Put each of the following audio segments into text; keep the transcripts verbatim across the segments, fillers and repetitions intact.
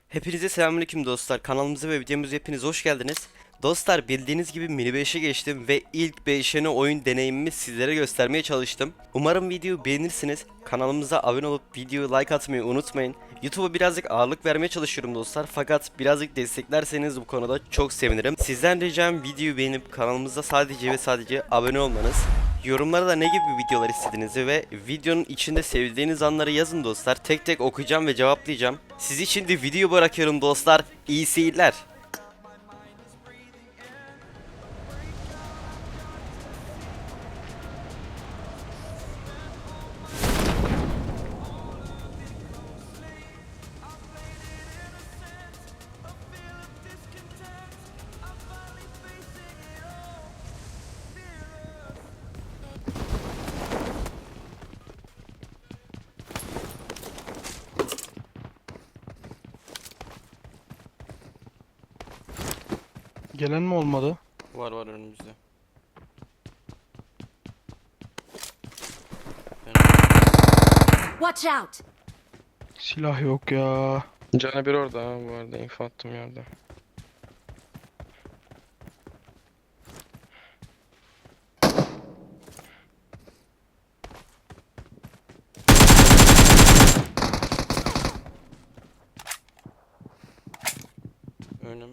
Hepinize selamünaleyküm dostlar. Kanalımıza ve videomuza hepiniz hoş geldiniz. Dostlar, bildiğiniz gibi mini beşe geçtim ve ilk beşene oyun deneyimimi sizlere göstermeye çalıştım. Umarım videoyu beğenirsiniz. Kanalımıza abone olup videoyu like atmayı unutmayın. YouTube'a birazcık ağırlık vermeye çalışıyorum dostlar. Fakat birazcık desteklerseniz bu konuda çok sevinirim. Sizden ricam videoyu beğenip kanalımıza sadece ve sadece abone olmanız. Yorumlara da ne gibi videolar istediğinizi ve videonun içinde sevdiğiniz anları yazın dostlar. Tek tek okuyacağım ve cevaplayacağım. Siz için de video bırakıyorum dostlar. İyi seyirler. Gelen mi olmadı? Var var önümüzde. Watch out! Silah yok ya. Canı bir orada ha, bu arada info attım yerde. Önüm.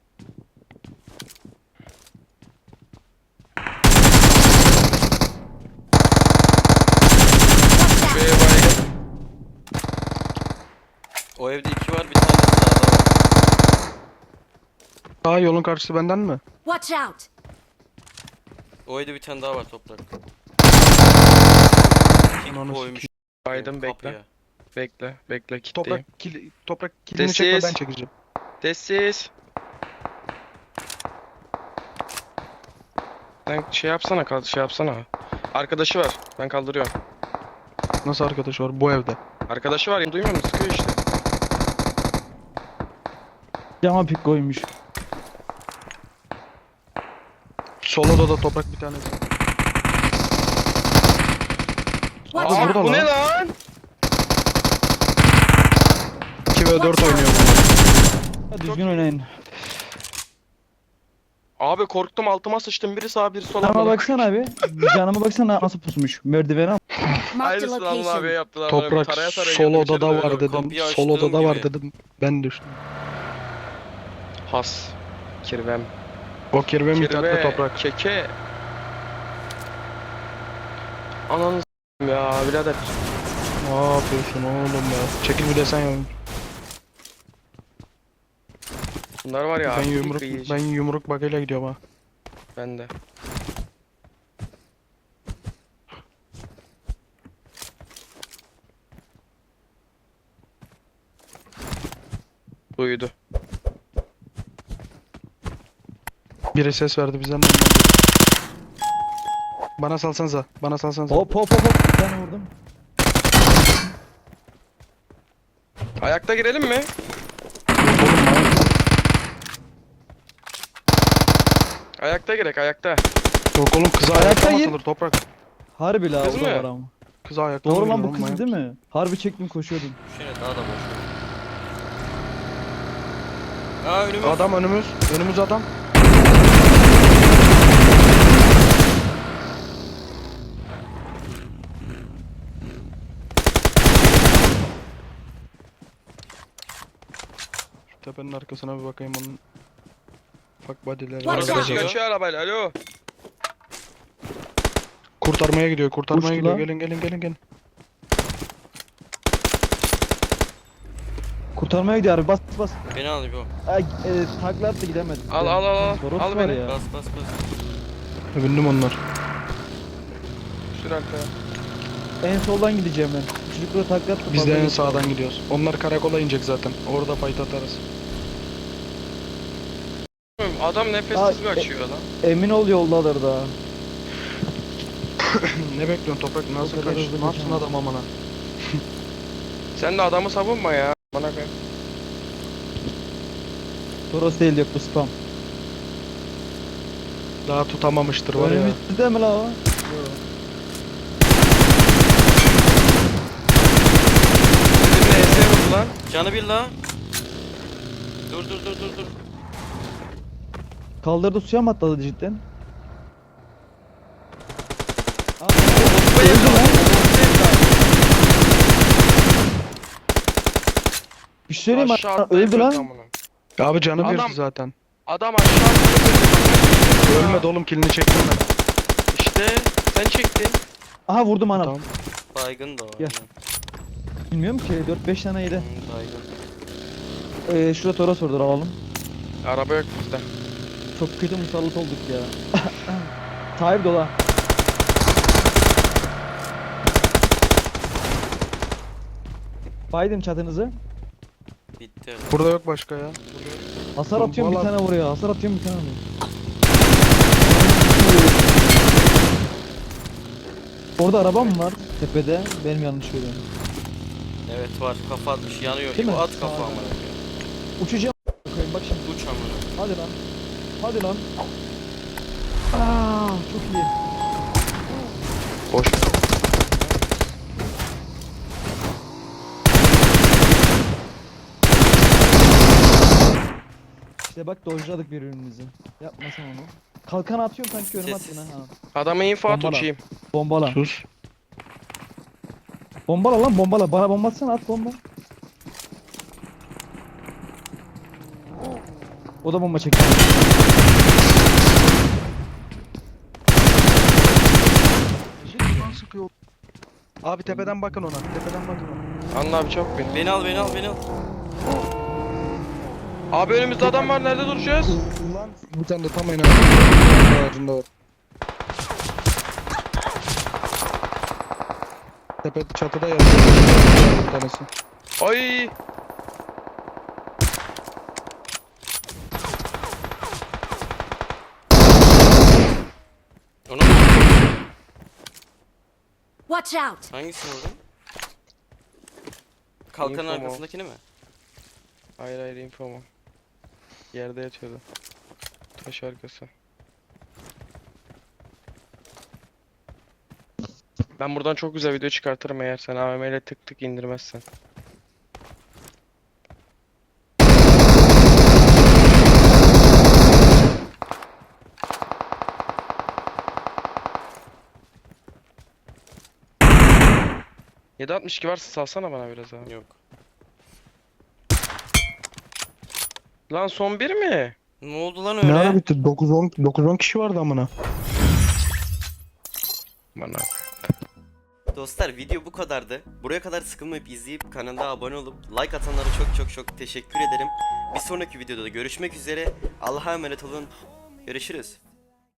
Şuraya baygın. O evde iki var, bir tane sağda var. Daha yolun karşısı benden mi? Watch out! O evde bir tane daha var toprak. Kim Ananı koymuş Baydım bekle. kapıya? Bekle. Bekle kitleyim. Toprak kil, toprak kilini Sessiz. çekme, ben çekeceğim. Sessiz. Sen şey yapsana kal şey yapsana. Arkadaşı var. Ben kaldırıyorum. Nasıl arkadaş var bu evde? Arkadaşı var. Duymuyor musun? Sıkıyor işte. Cama pik koymuş. Sol odada toprak bir tanesi. Watch Aa, out! burada Bu ne lan. lan? iki ve dört oynuyor bunlar. Ha, düzgün oynayın. Abi korktum, altıma sıçtım. Biri sağa biri sola. Canıma baksana abi. Canıma baksana nasıl pusmuş. Merdivene al. Marked a Aynısını Anıl abiye location. yaptılar. bana. Bir Toprak taraya taraya sol girdim içeri odada böyle. var dedim. kapıyı Sol açtığım odada var gibi. dedim. Ben düştüm. Has. Kirvem. O kirve mi Kirve. toprak? Keke. Ananı s**eyim ya birader. Ne yapıyorsun oğlum ya? Çekil bir desen ya. Bunlar var ya. Ben ilk yumruk kıyıcı. ben yumruk bakıyla gidiyorum ha. Ben de. Duydu. Biri ses verdi bizden de ondan. Bana salsanıza. Bana salsanıza. Hop hop hop hop. Bir tane vurdum. Ayakta girelim mi? Ayakta girek ayakta. Yok oğlum, kıza Ayakta ayakta mı gir. atılır toprak? Harbi la Kız o da mı? var ama. Kıza ayakta Doğru mı lan bu giriyor kız oğlum, değil mi? Harbi çektim koşuyordum. Şöyle daha da boş. Aa önümüz. Adam önümüz. Önümüz adam. Şu tepenin arkasına bir bakayım onun. Fuck body'leri Watch var. out. Arkadaşı kaçıyor arabayla alo. Kurtarmaya gidiyor, kurtarmaya Uçtu gidiyor. lan. Gelin gelin gelin gelin. Kurtarmaya gidiyor abi bas bas. Beni al bu. Ay, e, takla attı gidemedi. Al, al, al, al. Toros Al var beni. ya. Bas bas bas. Bindim onlar. Sür arkaya. En soldan gideceğim ben. Çocuklara takla attı. Biz fazla de en yok. sağdan gidiyoruz. Onlar karakola inecek zaten. Orada fight atarız. Adam nefessiz Aa, e- kaçıyor lan. Emin ol yoldalar da. Ne bekliyorsun toprak? Nasıl O kadar kaç? hızlı Ne yapsın kaçamaz. adam amına? Sen de adamı savunma ya. Bana koy. Toros değil yok bu spam. Daha tutamamıştır var ya. Önümüzde mi la o? Senin ne ese vurdu lan? Canı bir la. Dur dur dur dur dur. Kaldırdı, suya mı atladı cidden? Aa, Bombayı öldü lan. Bir şey söyleyeyim mi? Aşağı Öldü atlayıp lan. amına. Abi canı Adam- birdi zaten. Adam aşağı atladı. Ölmedi oğlum, kilini çektim ben. İşte sen çektin. Aha vurdum anam. Tamam. Baygın da o. Gel. Bilmiyorum ki, dört beş tane yedi. Hı, baygın. Ee, şurada Toros orada alalım. Araba yok bizde. Çok kötü musallat olduk ya. Tayyip dola. Baydım çatınızı. Bitti. Burada yok başka ya. Hasar atıyorum bir Bombalar. tane vuruyor. Hasar atıyorum bir tane vuruyor. Orada araba mı var tepede? Benim yanlış görüyorum. Evet var, kafa atmış, yanıyor. Değil İbo mi? at kafa Sağ- amına. Uçacağım. Bakayım, bak şimdi. Uç amına. Hadi lan. Hadi lan. Aa, çok iyi. Boş. İşte bak dojladık birbirimizi. Yapmasam onu. Kalkan atıyorum kanki, önüme Sessiz. attın ha. Adama info at Bombala. uçayım. Bombala. Sus. Bombala lan, bombala. Bana bomba atsana, at bomba. O da bomba çekti. Sıkıyor. Abi tepeden bakın ona. Tepeden bakın ona. Anla abi çok bin. Beni al, beni al, beni al. Abi önümüzde adam var, nerede duracağız? Ulan bir tane de tam aynı ağacında var. Tepe çatıda yatıyor bir tanesi. Ay. Ona mı? Watch out! Hangisini vurdun? Kalkanın Info mu? arkasındakini mi? Hayır hayır info mu? Yerde yatıyordu. Taş arkası. Ben buradan çok güzel video çıkartırım eğer sen A V M ile tık tık indirmezsen. yedi altmış iki varsa salsana bana biraz abi. Yok. Lan son bir mi? Ne oldu lan Ne ara öyle? bitti? dokuz on dokuz on kişi vardı amına. Bana. Dostlar video bu kadardı. Buraya kadar sıkılmayıp izleyip kanala abone olup like atanlara çok çok çok teşekkür ederim. Bir sonraki videoda da görüşmek üzere. Allah'a emanet olun. Görüşürüz.